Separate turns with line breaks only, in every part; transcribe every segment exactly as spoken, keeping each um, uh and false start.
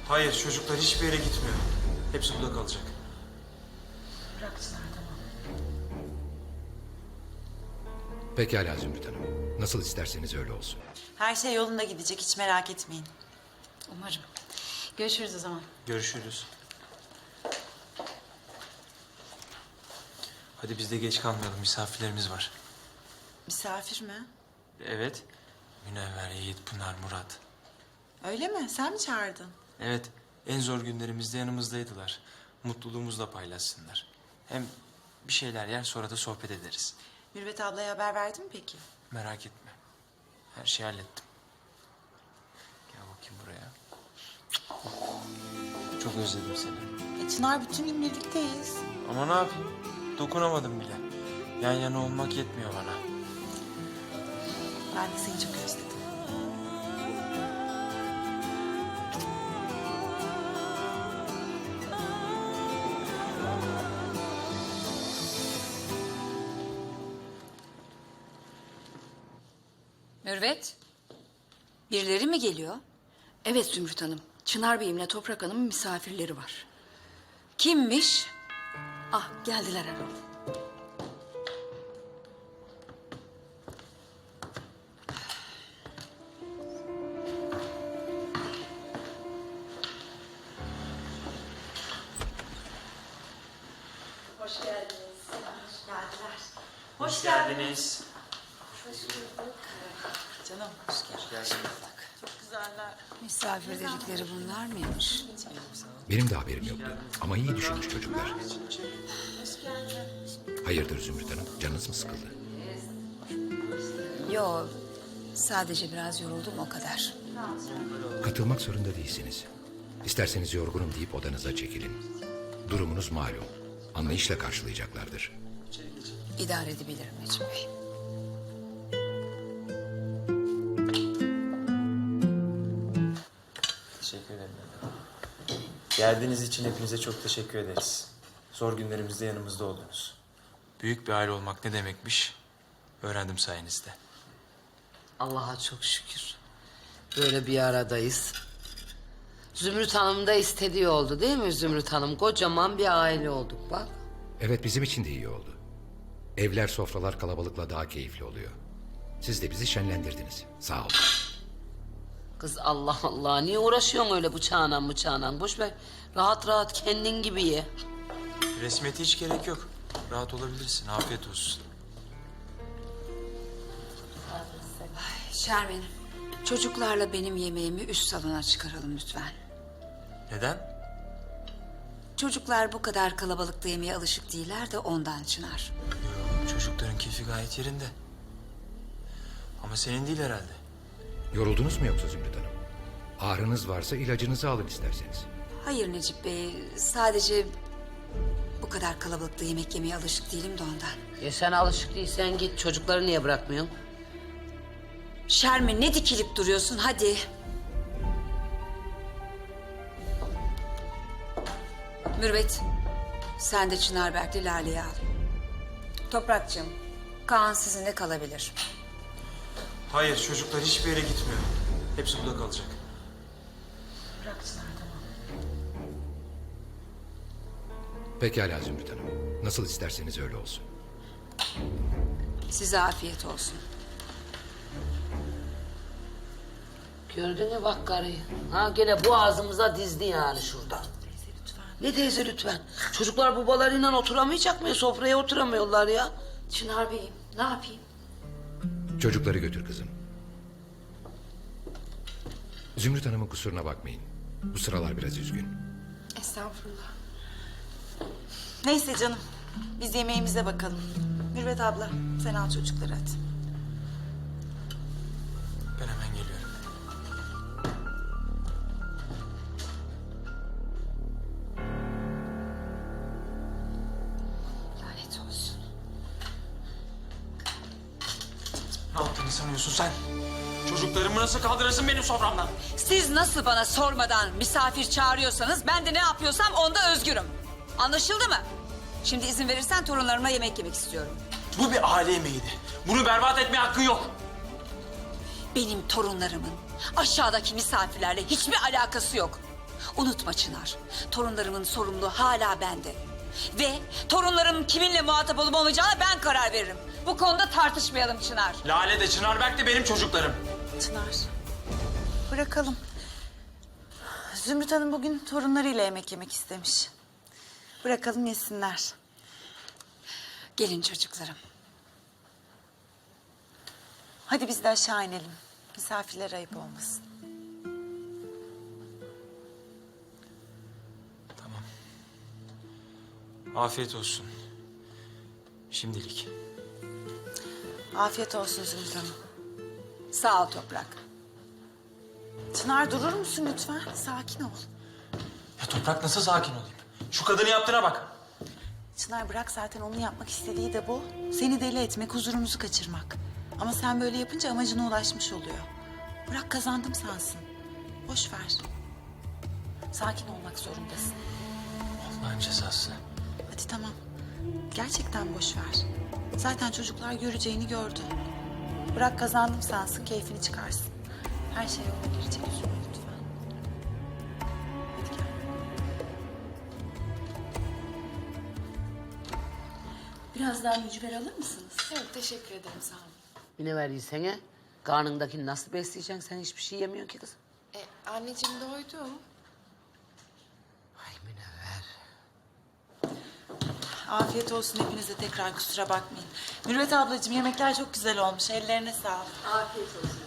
Hayır, çocuklar hiçbir yere gitmiyor. Hepsi burada kalacak.
Bırak Çınar, tamam.
Pekala Zümrüt Hanım. Nasıl isterseniz öyle olsun.
Her şey yolunda gidecek, hiç merak etmeyin.
Umarım. Görüşürüz o zaman.
Görüşürüz. Hadi biz de geç kalmayalım, misafirlerimiz var.
Misafir mi?
Evet. Münevver, Yiğit, Pınar, Murat.
Öyle mi? Sen mi çağırdın?
Evet, en zor günlerimizde yanımızdaydılar. Mutluluğumuzla paylaşsınlar. Hem bir şeyler yer, sonra da sohbet ederiz.
Mürvet ablaya haber verdin mi peki?
Merak etme. Her şeyi hallettim. Gel bakayım buraya. Çok özledim seni.
E Çınar, bütün gün birlikteyiz.
Ama ne yapayım? Dokunamadım bile. Yan yana olmak yetmiyor bana.
Ben de seni çok özledim.
Mürvet.
Birileri mi geliyor?
Evet Zümrüt Hanım. Çınar Bey'imle Toprak Hanım'ın misafirleri var.
Kimmiş?
Ah, geldiler Erol.
Hoş geldiniz. Hoş geldiler.
Hoş geldiniz.
Canım, hoş geldin. Çok güzeller.
Misafir dedikleri bunlar mıymış?
Benim de haberim yoktu. Ama iyi düşünmüş çocuklar. Hayırdır Zümrüt Hanım? Canınız mı sıkıldı?
Yo, sadece biraz yoruldum o kadar.
Katılmak zorunda değilsiniz. İsterseniz yorgunum deyip odanıza çekilin. Durumunuz malum. Anlayışla karşılayacaklardır.
İdare edebilirim Necip Bey.
Teşekkür ederim. Geldiğiniz için hepinize çok teşekkür ederiz. Zor günlerimizde yanımızda oldunuz. Büyük bir aile olmak ne demekmiş öğrendim sayenizde.
Allah'a çok şükür. Böyle bir aradayız. Zümrüt Hanım da istediği oldu değil mi Zümrüt Hanım? Kocaman bir aile olduk bak.
Evet, bizim için de iyi oldu. Evler, sofralar kalabalıkla daha keyifli oluyor. Siz de bizi şenlendirdiniz. Sağ olun.
Kız Allah Allah, niye uğraşıyorsun öyle bıçağına bıçağına? Boş ver, rahat rahat kendin gibi ye.
Resmiyete hiç gerek yok. Rahat olabilirsin. Afiyet olsun.
Şermin, çocuklarla benim yemeğimi üst salona çıkaralım lütfen.
Neden?
Çocuklar bu kadar kalabalıkta yemeğe alışık değiller de ondan Çınar.
Yo, çocukların keyfi gayet yerinde. Ama senin değil herhalde.
Yoruldunuz mu yoksa Zümrüt Hanım? Ağrınız varsa ilacınızı alın isterseniz.
Hayır Necip Bey, sadece bu kadar kalabalıkta yemek yemeye alışık değilim de ondan.
Ya sen alışık değilsen git, çocukları niye bırakmıyorsun?
Şermin, ne dikilip duruyorsun, hadi. Mürvet, sen de Çınarberk'le Lale'yi al. Toprakçığım, Kaan sizinle kalabilir.
Hayır, çocuklar hiçbir yere gitmiyor. Hepsi burada kalacak.
Bırak Çınar, tamam.
Pekala Zümrüt Hanım. Nasıl isterseniz öyle olsun.
Size afiyet olsun.
Gördün mü bak karıyı? Ha gene boğazımıza dizdi yani şurada.
Teyze lütfen.
Ne teyze lütfen? Çocuklar babalarıyla oturamayacak mı? Sofraya oturamıyorlar ya.
Çınar Bey'im, ne yapayım?
Çocukları götür kızım. Zümrüt Hanım'ın kusuruna bakmayın. Bu sıralar biraz üzgün.
Estağfurullah.
Neyse canım, biz yemeğimize bakalım. Mürvet abla, sen al çocukları hadi.
Ben hemen geliyorum.
Lanet olsun.
Ne yaptığını sanıyorsun sen? Çocuklarımı nasıl kaldırırsın benim soframdan?
Siz nasıl bana sormadan misafir çağırıyorsanız ben de ne yapıyorsam onda özgürüm. Anlaşıldı mı? Şimdi izin verirsen torunlarımla yemek yemek istiyorum.
Bu bir aile yemeğiydi. Bunu berbat etmeye hakkın yok.
Benim torunlarımın aşağıdaki misafirlerle hiçbir alakası yok. Unutma Çınar, torunlarımın sorumluluğu hala bende. Ve torunlarım kiminle muhatap olup olmayacağına ben karar veririm. Bu konuda tartışmayalım Çınar.
Lale de Çınar Berk de benim çocuklarım.
Çınar, bırakalım. Zümrüt Hanım bugün torunlarıyla yemek yemek istemiş. Bırakalım yesinler.
Gelin çocuklarım.
Hadi biz de aşağı inelim. Misafirlere ayıp olmasın.
Tamam. Afiyet olsun. Şimdilik.
Afiyet olsun Zümrüt Hanım.
Sağ ol Toprak.
Çınar durur musun lütfen? Sakin ol.
Ya Toprak nasıl sakin olayım? Şu kadını yaptığına bak.
Çınar bırak zaten onun yapmak istediği de bu. Seni deli etmek, huzurumuzu kaçırmak. Ama sen böyle yapınca amacına ulaşmış oluyor. Bırak kazandım sansın. Boş ver. Sakin olmak zorundasın.
Allah'ın cezası.
Hadi tamam. Gerçekten boş ver. Zaten çocuklar göreceğini gördü. Bırak kazandım sansın, keyfini çıkarsın. Her şey yoluna girecek üzülme lütfen. Hadi gel.
Biraz daha mücver alır mısınız?
Yok teşekkür ederim sağ olun.
Bir ne verdiysen karnındakini nasıl besleyeceksin? Sen hiçbir şey yemiyorsun ki kız.
E, anneciğim doydum.
Ay Münevver.
Afiyet olsun hepinize, tekrar kusura bakmayın. Mürvet ablacığım yemekler çok güzel olmuş. Ellerine sağlık.
Afiyet olsun.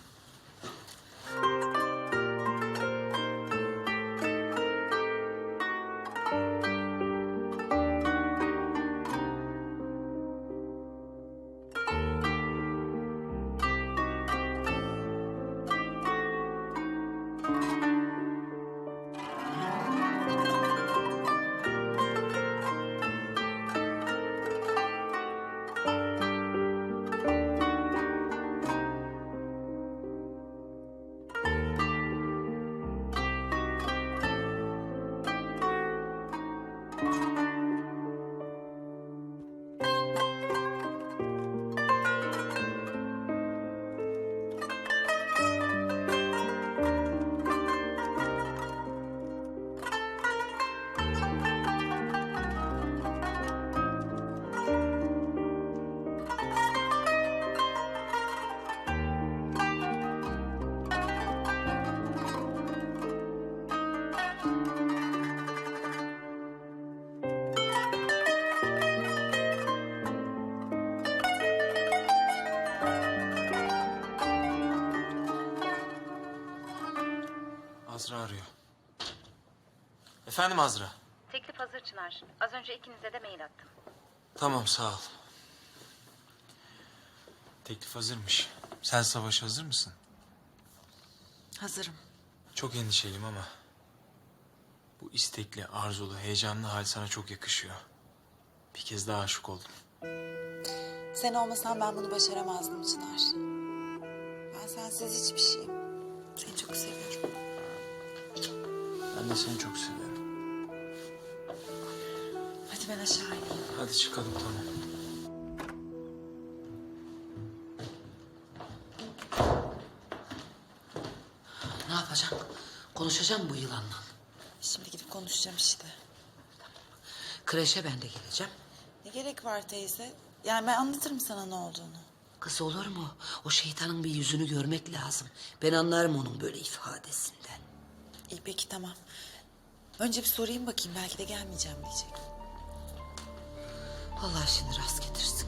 Azra arıyor. Efendim Azra.
Teklif hazır Çınar. Az önce ikinize de mail attım.
Tamam sağ ol. Teklif hazırmış. Sen savaşa hazır mısın?
Hazırım.
Çok endişeliyim ama bu istekli, arzulu, heyecanlı hal sana çok yakışıyor. Bir kez daha aşık oldum.
Sen olmasan ben bunu başaramazdım Çınar. Ben sensiz hiçbir şeyim. Seni çok seviyorum.
Ben de seni çok seviyorum.
Hadi ben aşağı ineyim.
Hadi çıkalım tamam.
Ne yapacaksın? Konuşacağım bu yılanla.
Şimdi gidip konuşacağım işte.
Kreşe ben de geleceğim.
Ne gerek var teyze? Yani ben anlatırım sana ne olduğunu.
Kız olur mu? O şeytanın bir yüzünü görmek lazım. Ben anlarım onun böyle ifadesinden.
İyi peki tamam. Önce bir sorayım bakayım, belki de gelmeyeceğim diyecek.
Allah şimdi rast getirsin.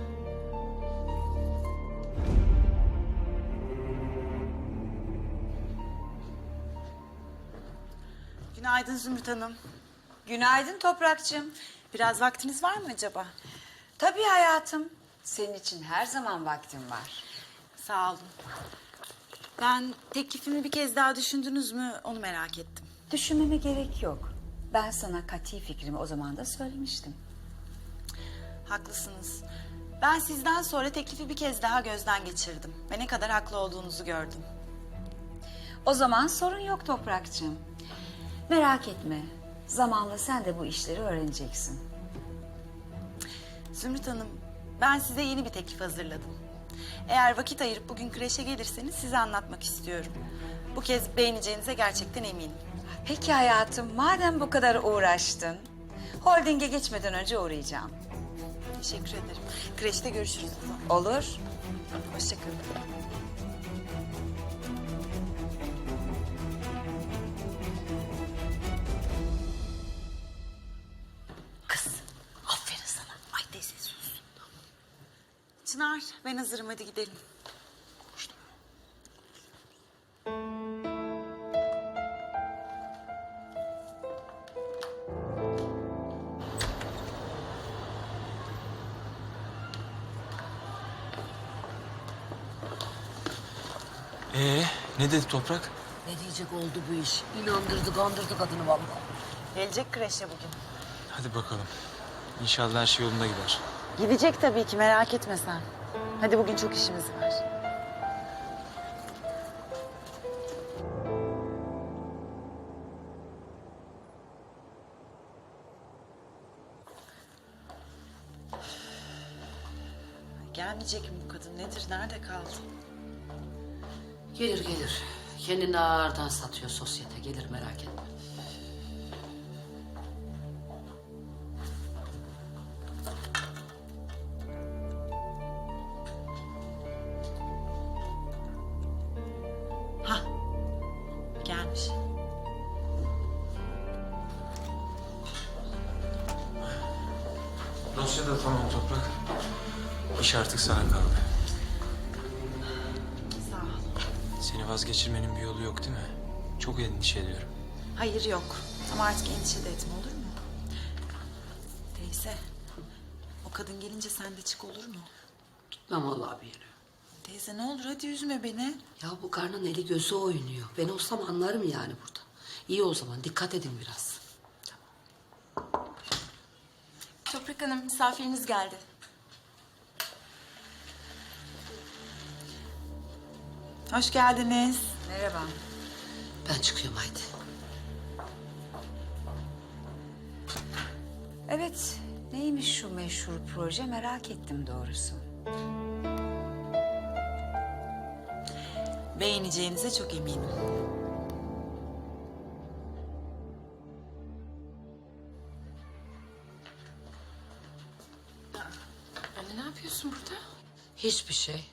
Günaydın Zümrüt Hanım.
Günaydın Toprakçığım.
Biraz vaktiniz var mı acaba?
Tabii hayatım. Senin için her zaman vaktim var.
Sağ olun. Ben teklifimi bir kez daha düşündünüz mü onu merak ettim.
Düşünmeme gerek yok. Ben sana kati fikrimi o zaman da söylemiştim.
Haklısınız. Ben sizden sonra teklifi bir kez daha gözden geçirdim. Ve ne kadar haklı olduğunuzu gördüm.
O zaman sorun yok Toprakçığım. Merak etme. Zamanla sen de bu işleri öğreneceksin.
Zümrüt Hanım, ben size yeni bir teklif hazırladım. Eğer vakit ayırıp bugün kreşe gelirseniz size anlatmak istiyorum. Bu kez beğeneceğinize gerçekten eminim.
Peki hayatım, madem bu kadar uğraştın, holdinge geçmeden önce uğrayacağım.
Teşekkür ederim. Kreşte görüşürüz o zaman.
Olur.
Hoşçakalın. Kız, aferin sana. Ay teyze sus. Çınar, ben hazırım. Hadi gidelim.
Ee, ne dedi Toprak?
Ne diyecek oldu bu iş? İnandırdı, kandırdı kadını vallahi.
Gelecek kreşe bugün.
Hadi bakalım. İnşallah her şey yolunda gider.
Gidecek tabii ki, merak etme sen. Hadi bugün çok işimiz var. Gelmeyecek mi bu kadın? Nedir? Nerede kaldı?
Gelir gelir. Kendini ağırdan satıyor sosyete. Gelir merak etme.
Hah, gelmiş.
Dosya da tamam Toprak. İş artık sana kaldı.
Sağ ol.
Seni vazgeçirmenin bir yolu yok değil mi? Çok endişe ediyorum.
Hayır yok. Ama artık endişe de etme, olur mu? Teyze, o kadın gelince sen de çık, olur mu?
Gitmem vallahi bir yere.
Teyze ne olur hadi üzme beni.
Ya bu karnın eli gözü oynuyor. Ben olsam anlarım yani burada. İyi o zaman dikkat edin biraz.
Toprak Hanım misafiriniz geldi.
Hoş geldiniz.
Merhaba.
Ben çıkıyorum haydi.
Evet, neymiş şu meşhur proje merak ettim doğrusu.
Beğeneceğinize çok eminim.
Anne ne yapıyorsun burada?
Hiçbir şey.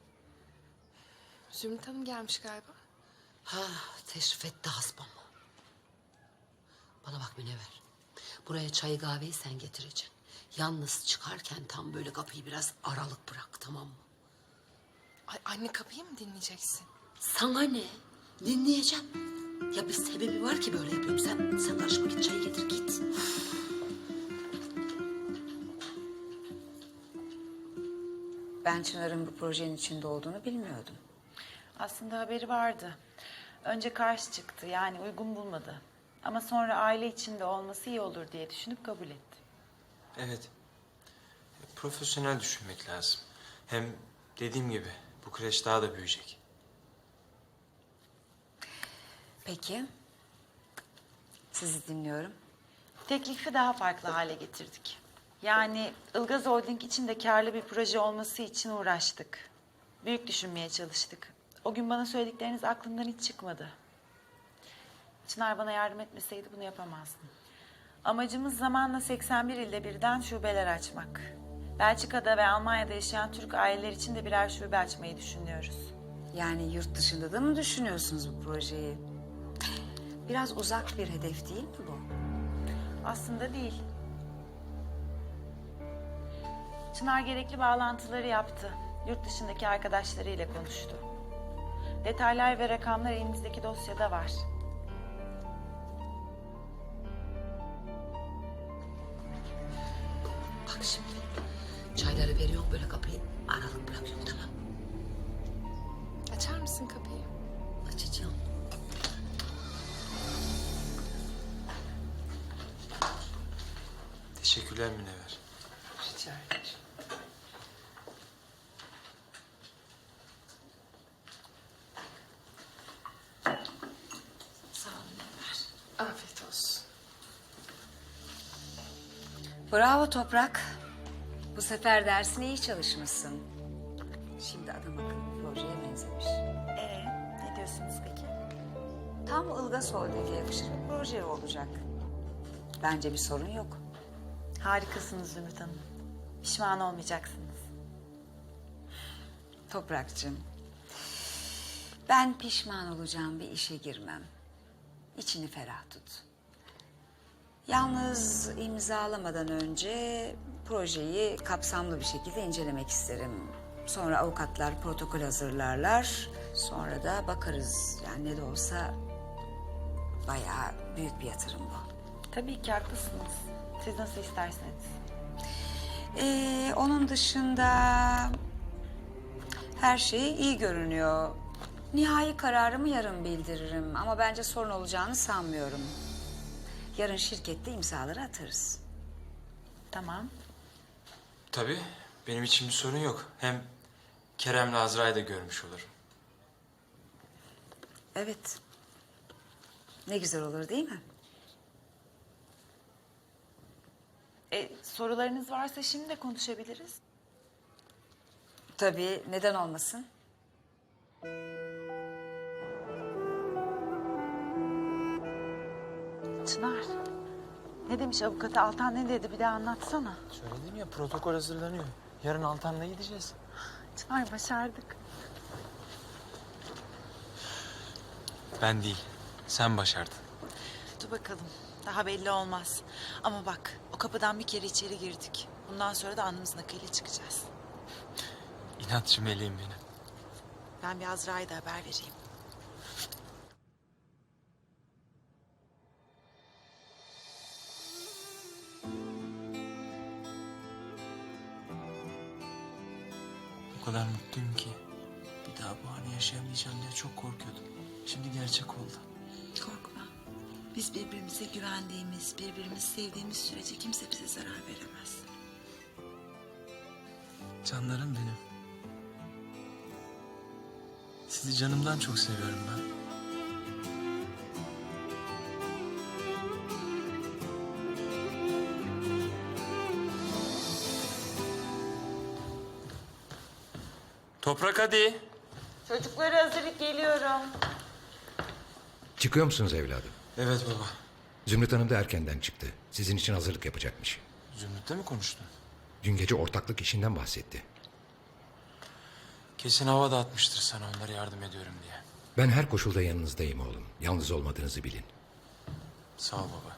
Zümrüt Hanım gelmiş galiba.
Ha teşrif etti hasbam. Bana bak Münevver. Buraya çayı kahveyi sen getireceksin. Yalnız çıkarken tam böyle kapıyı biraz aralık bırak, tamam mı?
Ay anne kapıyı mı dinleyeceksin?
Sana ne? Dinleyeceğim. Ya bir sebebi var ki böyle yapıyorum. Sen, sen karışma, git çayı getir git.
Ben Çınar'ın bu projenin içinde olduğunu bilmiyordum.
Aslında haberi vardı. Önce karşı çıktı, yani uygun bulmadı. Ama sonra aile içinde olması iyi olur diye düşünüp kabul etti.
Evet. Profesyonel düşünmek lazım. Hem dediğim gibi bu kreş daha da büyüyecek.
Peki. Sizi dinliyorum.
Teklifi daha farklı hale getirdik. Yani Ilgaz Holding için de karlı bir proje olması için uğraştık. Büyük düşünmeye çalıştık. O gün bana söyledikleriniz aklımdan hiç çıkmadı. Çınar bana yardım etmeseydi bunu yapamazdım. Amacımız zamanla seksen bir ilde birden şubeler açmak. Belçika'da ve Almanya'da yaşayan Türk aileler için de birer şube açmayı düşünüyoruz.
Yani yurt dışında da mı düşünüyorsunuz bu projeyi? Biraz uzak bir hedef değil mi bu?
Aslında değil. Çınar gerekli bağlantıları yaptı. Yurt dışındaki arkadaşlarıyla konuştu. Detaylar ve rakamlar elimizdeki dosyada var.
Bak şimdi. Çayları veriyorum, böyle kapıyı aralık bırakıyorum, tamam.
Açar mısın kapıyı?
Açacağım.
Teşekkürler Münevver.
Rica ederim.
Sağ olun Münevver. Afiyet olsun.
Bravo Toprak. Bu sefer dersine iyi çalışmışsın. Şimdi adam akıllı bir projeye benzemiş.
Ee, ne diyorsunuz peki?
tam Ilgaz Holding'e yakışır bir proje olacak. Bence bir sorun yok.
Harikasınız Zümrüt Hanım. Pişman olmayacaksınız.
Toprakçığım, ben pişman olacağım bir işe girmem. İçini ferah tut. Yalnız imzalamadan önce projeyi kapsamlı bir şekilde incelemek isterim. Sonra avukatlar protokol hazırlarlar. Sonra da bakarız. Yani ne de olsa bayağı büyük bir yatırım bu.
Tabii ki haklısınız. Siz nasıl isterseniz.
Ee, onun dışında her şey iyi görünüyor. Nihai kararımı yarın bildiririm ama bence sorun olacağını sanmıyorum. Yarın şirkette imzaları atarız.
Tamam.
Tabii, benim için bir sorun yok. Hem Kerem'le Azra'yı da görmüş olurum.
Evet. Ne güzel olur değil mi?
E, sorularınız varsa şimdi de konuşabiliriz.
Tabii, neden olmasın?
Çınar. Ne demiş avukatı Altan, ne dedi bir daha anlatsana.
Söyledim ya, protokol hazırlanıyor. Yarın Altan'la gideceğiz.
Çınar başardık.
Ben değil, sen başardın.
Dur bakalım. Daha belli olmaz. Ama bak o kapıdan bir kere içeri girdik. Bundan sonra da alnımızın akıyla çıkacağız.
İnatçı meleğim benim.
Ben bir Azra'ya da haber vereyim.
O kadar mutluyum ki. Bir daha bu anı yaşayamayacağım diye çok korkuyordum. Şimdi gerçek oldu.
Korkma. Biz birbirimize güvendiğimiz, birbirimizi sevdiğimiz sürece kimse bize zarar veremez.
Canlarım benim. Sizi canımdan çok seviyorum ben. Toprak hadi.
Çocuklara hazırlık, geliyorum.
Çıkıyor musunuz evladım?
Evet baba.
Zümrüt Hanım da erkenden çıktı. Sizin için hazırlık yapacakmış.
Zümrüt'le mi konuştun?
Dün gece ortaklık işinden bahsetti.
Kesin hava da atmıştır sana onlara yardım ediyorum diye.
Ben her koşulda yanınızdayım oğlum. Yalnız olmadığınızı bilin.
Sağ ol baba.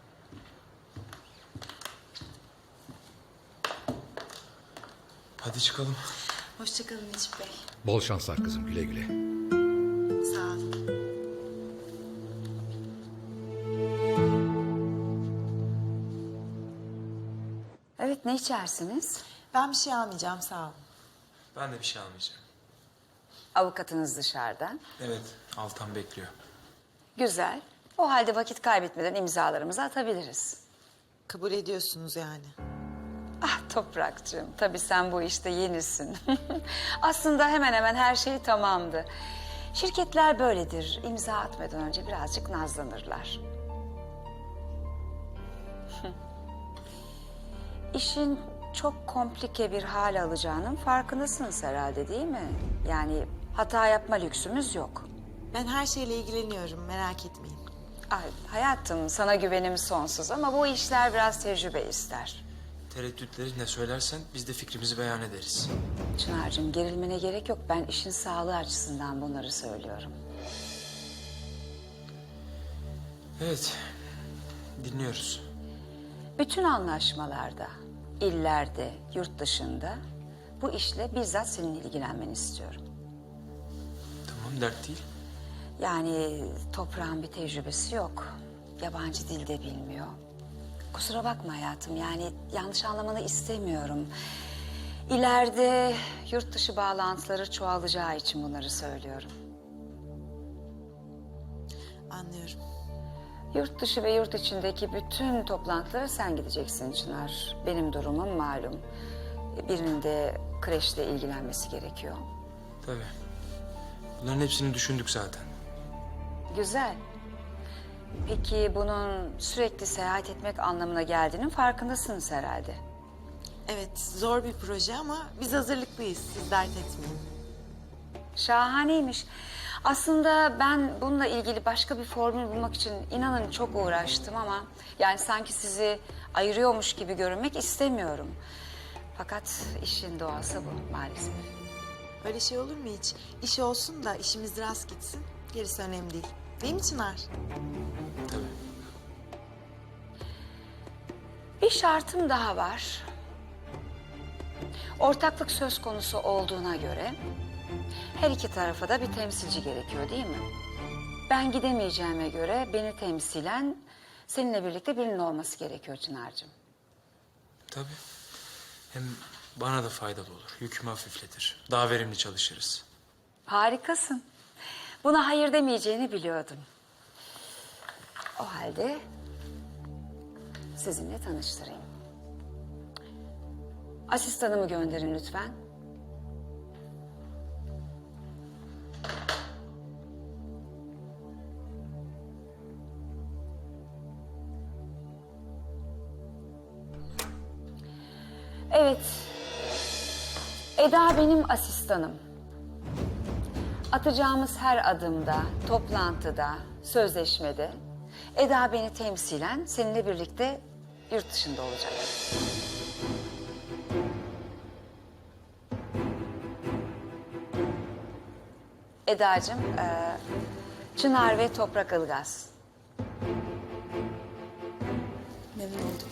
Hadi çıkalım.
Hoşçakalın Necip Bey.
Bol şanslar kızım, güle güle.
Sağ olun.
Evet, ne içersiniz?
Ben bir şey almayacağım, sağ olun.
Ben de bir şey almayacağım.
Avukatınız dışarıda.
Evet, Altan bekliyor.
Güzel. O halde vakit kaybetmeden imzalarımızı atabiliriz.
Kabul ediyorsunuz yani.
Ah Toprakcığım, tabii sen bu işte yenisin. Aslında hemen hemen her şey tamamdı. Şirketler böyledir. İmza atmadan önce birazcık nazlanırlar. İşin çok komplike bir hal alacağının farkındasınız herhalde değil mi? Yani hata yapma lüksümüz yok.
Ben her şeyle ilgileniyorum, merak etmeyin.
Ay, hayatım sana güvenim sonsuz ama bu işler biraz tecrübe ister.
Tereddütleri ne söylersen biz de fikrimizi beyan ederiz.
Çınar'cığım gerilmene gerek yok. Ben işin sağlığı açısından bunları söylüyorum.
Evet, dinliyoruz.
Bütün anlaşmalarda, illerde, yurt dışında bu işle bizzat senin ilgilenmeni istiyorum.
Tamam, dert değil.
Yani toprağın bir tecrübesi yok. Yabancı dil de bilmiyor. Kusura bakma hayatım, yani yanlış anlamanı istemiyorum. İleride yurt dışı bağlantıları çoğalacağı için bunları söylüyorum.
Anlıyorum.
Yurt dışı ve yurt içindeki bütün toplantılara sen gideceksin Çınar. Benim durumum malum. Birinin de kreşle ilgilenmesi gerekiyor.
Tabii. Bunların hepsini düşündük zaten.
Güzel. Peki bunun sürekli seyahat etmek anlamına geldiğinin farkındasınız herhalde.
Evet, zor bir proje ama biz hazırlıklıyız, siz dert etmeyin.
Şahaneymiş. Aslında ben bununla ilgili başka bir formül bulmak için inanın çok uğraştım ama... yani sanki sizi ayırıyormuş gibi görünmek istemiyorum. Fakat işin doğası bu maalesef.
Öyle şey olur mu hiç? İş olsun da işimiz rast gitsin. Gerisi önemli değil. Değil mi Çınar?
Tabii.
Bir şartım daha var. Ortaklık söz konusu olduğuna göre her iki tarafa da bir temsilci gerekiyor değil mi? Ben gidemeyeceğime göre beni temsilen seninle birlikte birinin olması gerekiyor Çınar'cığım.
Tabii. Hem bana da faydalı olur. Yükümü hafifletir. Daha verimli çalışırız.
Harikasın. Buna hayır demeyeceğini biliyordum. O halde sizinle tanıştırayım. Asistanımı gönderin lütfen. Evet. Eda benim asistanım. Atacağımız her adımda, toplantıda, sözleşmede Eda beni temsilen seninle birlikte yurt dışında olacak. Edacığım, e, Çınar ve Toprak Ilgaz.
Memnun oldum.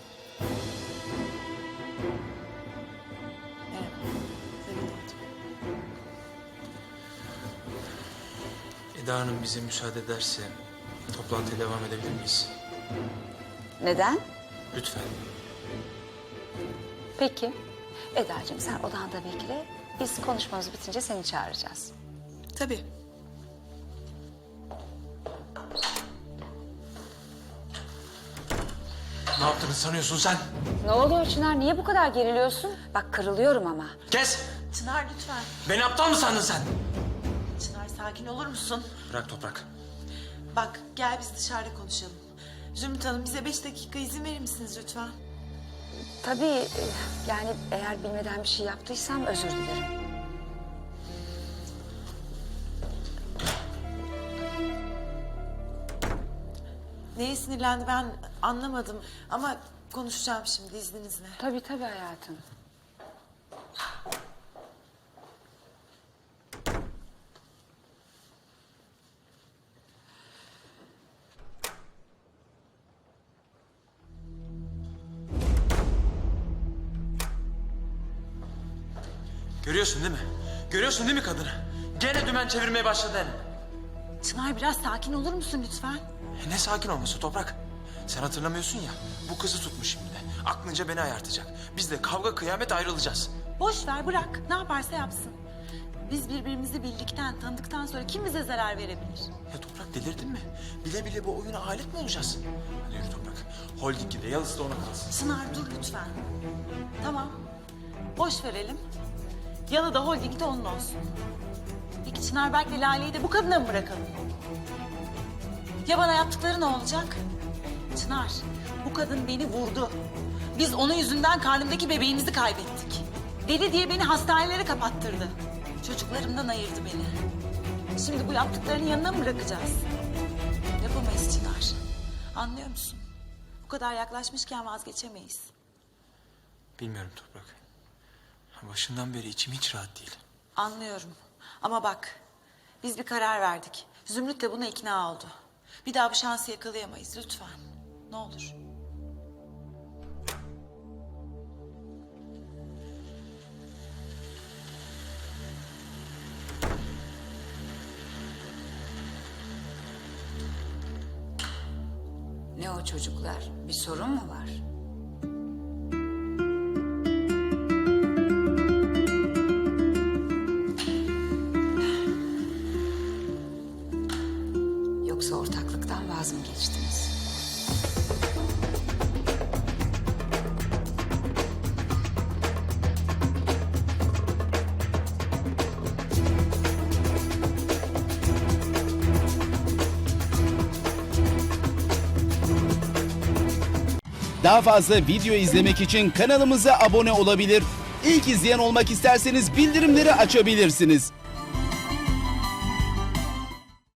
Evet. Memnun oldum.
Eda Hanım bize müsaade ederse toplantıya devam edebilir miyiz?
Neden?
Lütfen.
Peki. Edacığım sen odanda bekle. Biz konuşmamız bitince seni çağıracağız.
Tabii.
Ne yaptığını sanıyorsun sen?
Ne oluyor Çınar? Niye bu kadar geriliyorsun? Bak kırılıyorum ama.
Kes!
Çınar lütfen.
Beni aptal mı sandın sen?
Çınar sakin olur musun?
Bırak Toprak.
Bak gel biz dışarıda konuşalım. Zümrüt Hanım bize beş dakika izin verir misiniz lütfen?
Tabii e, yani eğer bilmeden bir şey yaptıysam özür dilerim.
Neye sinirlendi ben anlamadım ama konuşacağım şimdi izninizle.
Tabii tabii hayatım.
Görüyorsun değil mi? Görüyorsun değil mi kadını? Gene dümen çevirmeye başladı yani.
Çınar biraz sakin olur musun lütfen?
E ne sakin olması Toprak? Sen hatırlamıyorsun ya. Bu kızı tutmuş şimdi de. Aklınca beni ayartacak. Biz de kavga kıyamet ayrılacağız.
Boş ver bırak ne yaparsa yapsın. Biz birbirimizi bildikten tanıdıktan sonra kim bize zarar verebilir?
Ya Toprak delirdin mi? Bile bile bu oyuna alet mi olacağız? Hadi yürü Toprak. Holding de yalısı da ona kalsın.
Çınar dur lütfen. Tamam boş verelim. Yalı da holding de onun olsun. Peki Çınar Berk'le Lale'yi de bu kadına mı bırakalım? Ya bana yaptıkları ne olacak? Çınar, bu kadın beni vurdu. Biz onun yüzünden karnımdaki bebeğimizi kaybettik. Deli diye beni hastanelere kapattırdı. Çocuklarımdan ayırdı beni. Şimdi bu yaptıklarının yanına mı bırakacağız? Yapamayız Çınar. Anlıyor musun? Bu kadar yaklaşmışken vazgeçemeyiz.
Bilmiyorum Toprak. Başından beri içim hiç rahat değil.
Anlıyorum. Ama bak, biz bir karar verdik. Zümrüt de buna ikna oldu. Bir daha bu şansı yakalayamayız lütfen. Ne olur.
Ne o çocuklar? Bir sorun mu var? Yoksa ortaklıktan vaz mı geçtiniz?
Daha fazla video izlemek için kanalımıza abone olabilir. İlk izleyen olmak isterseniz bildirimleri açabilirsiniz.